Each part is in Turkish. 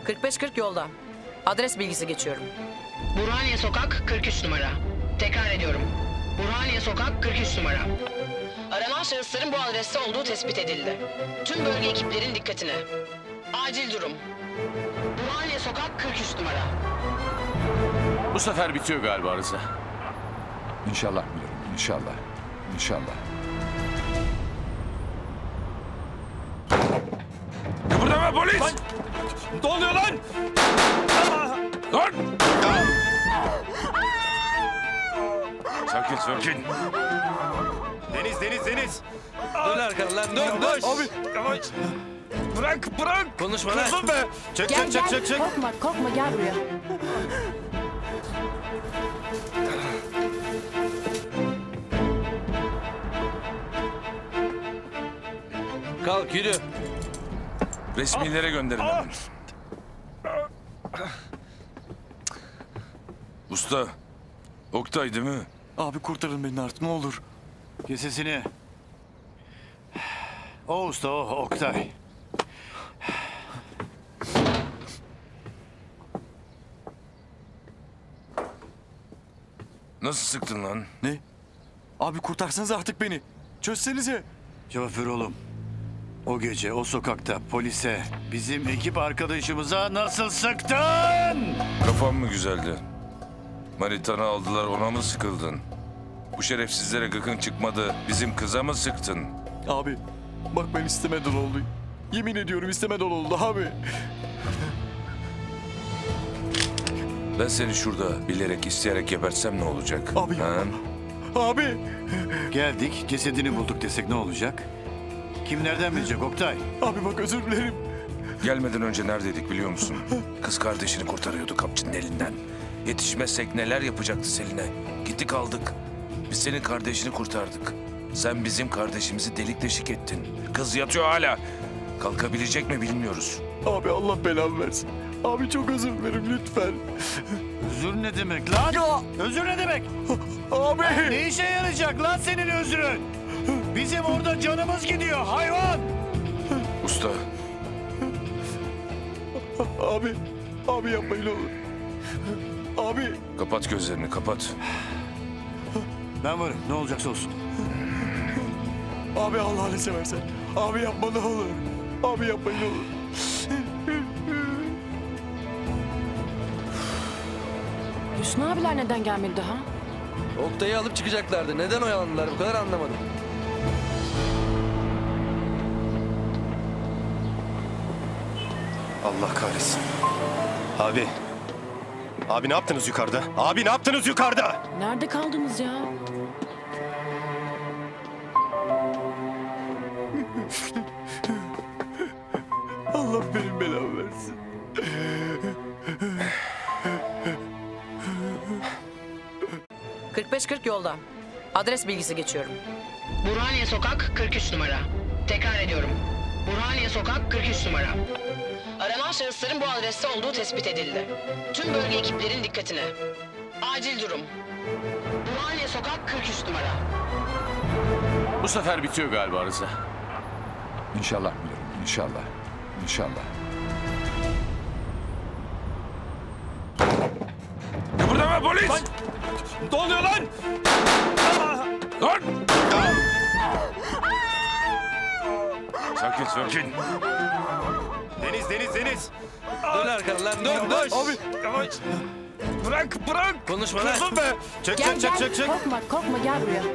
45-40 yolda. Adres bilgisi geçiyorum. Burhaniye Sokak 43 numara. Tekrar ediyorum. Burhaniye Sokak 43 numara. Aranan şahısların bu adreste olduğu tespit edildi. Tüm bölge ekiplerin dikkatine. Acil durum. Burhaniye Sokak 43 numara. Bu sefer bitiyor galiba Rıza. İnşallah müdürüm, inşallah. İnşallah. Kıpırdama polis! Ne oluyor lan? Dur! Sakin. Deniz. Dön arkana lan, dön. Abi. Yavaş. Bırak. Konuşma lan. Dursun be. Çek. Korkma gel buraya. Kalk yürü. Resmilere gönderin hemen. Usta, Oktay değil mi? Abi kurtarın beni artık ne olur. Kes sesini. O usta o Oktay. Nasıl sıktın lan? Ne? Abi kurtarsanız artık beni. Çözsenize. Cevap ver oğlum. O gece o sokakta polise bizim ekip arkadaşımıza nasıl sıktın? Kafan mı güzeldi? Manitanı aldılar, ona mı sıkıldın? Bu şerefsizlere gıkın çıkmadı, bizim kıza mı sıktın? Abi bak ben istemeden oldu. Yemin ediyorum istemeden oldu abi. Ben seni şurada bilerek, isteyerek gebertsem ne olacak? Abi Ha? yapma. Abi. Geldik cesedini bulduk desek ne olacak? Kim nereden bilecek Oktay? Abi bak özür dilerim. Gelmeden önce neredeydik biliyor musun? Kız kardeşini kurtarıyordu kapçının elinden. Yetişmezsek neler yapacaktı Selin'e? Gittik aldık. Biz senin kardeşini kurtardık. Sen bizim kardeşimizi delik deşik ettin. Kız yatıyor hala. Kalkabilecek mi bilmiyoruz. Abi Allah belamı versin. Abi çok özür dilerim lütfen. Özür ne demek lan? Özür ne demek? Abi. Ne işe yarayacak lan senin özrün? Bizim orada canımız gidiyor hayvan. Usta, Abi yapmayın olur. Abi. kapat gözlerini, kapat. Ben varım ne olacaksa olsun. Abi Allah'ını seversen. Abi yapma ne olur. Abi yapmayın olur. Hüsnü abiler neden gelmedi daha? Oktay'ı alıp çıkacaklardı. Neden oyalandılar bu kadar anlamadım. Allah kahretsin. Abi. Abi ne yaptınız yukarıda? Abi ne yaptınız yukarıda? Nerede kaldınız ya? Allah benim belamı versin. ...45-40 yolda. Adres bilgisi geçiyorum. Burhaniye Sokak 43 numara. Tekrar ediyorum. Burhaniye Sokak 43 numara. Aranan şahısların bu adreste olduğu tespit edildi. Tüm bölge ekiplerin dikkatine. Acil durum. Burhaniye Sokak 43 numara. Bu sefer bitiyor galiba Rıza. İnşallah müdürüm, inşallah. İnşallah. Kıpırdama polis! Ne oluyor lan? Dur! Sakin. Deniz. Dön arkana lan, dön. Abi. Yavaş. Bırak. Konuşma lan. Dursun be. Çek. Korkma gel buraya.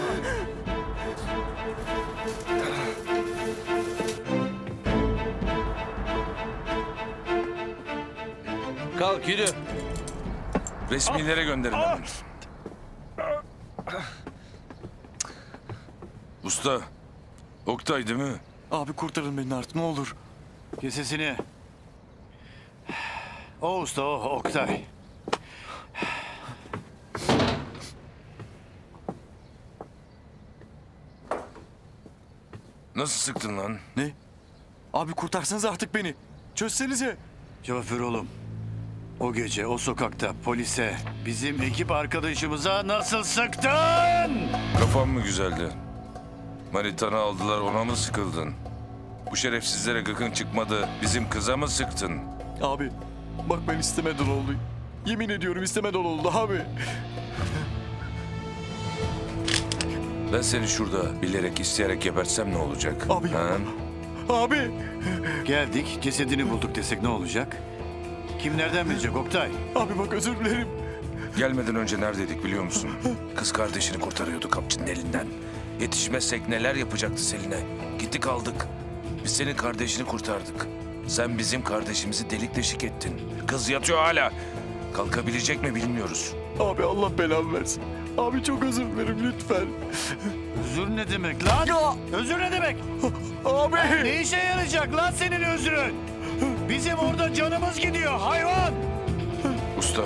Kalk yürü. Resmilere gönderin hemen. Usta, Oktay değil mi? Abi kurtarın beni artık ne olur. Kes sesini. O usta o Oktay. Nasıl sıktın lan? Ne? Abi kurtarsanız artık beni. Çözsenize. Cevap ver oğlum. O gece o sokakta polise bizim ekip arkadaşımıza nasıl sıktın? Kafan mı güzeldi? Manitanı aldılar, ona mı sıkıldın? Bu şerefsizlere gıkın çıkmadı, bizim kıza mı sıktın? Abi bak ben istemeden oldu. Yemin ediyorum istemeden oldu abi. Ben seni şurada bilerek isteyerek gebertsem ne olacak? Abi yapma. Abi. Geldik, cesedini bulduk desek ne olacak? Kim nereden bilecek Oktay? Abi bak özür dilerim. Gelmeden önce neredeydik biliyor musun? Kız kardeşini kurtarıyordu kapçının elinden. Yetişmezsek neler yapacaktı Selin'e? Gittik aldık. Biz senin kardeşini kurtardık. Sen bizim kardeşimizi delik deşik ettin. Kız yatıyor hala. Kalkabilecek mi bilmiyoruz. Abi Allah belamı versin. Abi çok özür dilerim lütfen. Özür ne demek lan? Ya. Özür ne demek? Abi. Ne işe yarayacak lan senin özrün? Bizim orada canımız gidiyor hayvan. Usta,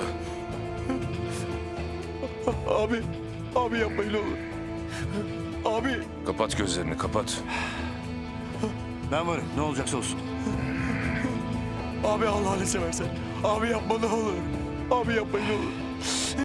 Abi. Abi yapmayın olur. Abi. kapat gözlerini kapat. Ben varım, ne olacaksa olsun. Abi Allah'ını seversen. Abi yapma ne olur. Abi yapmayın olur.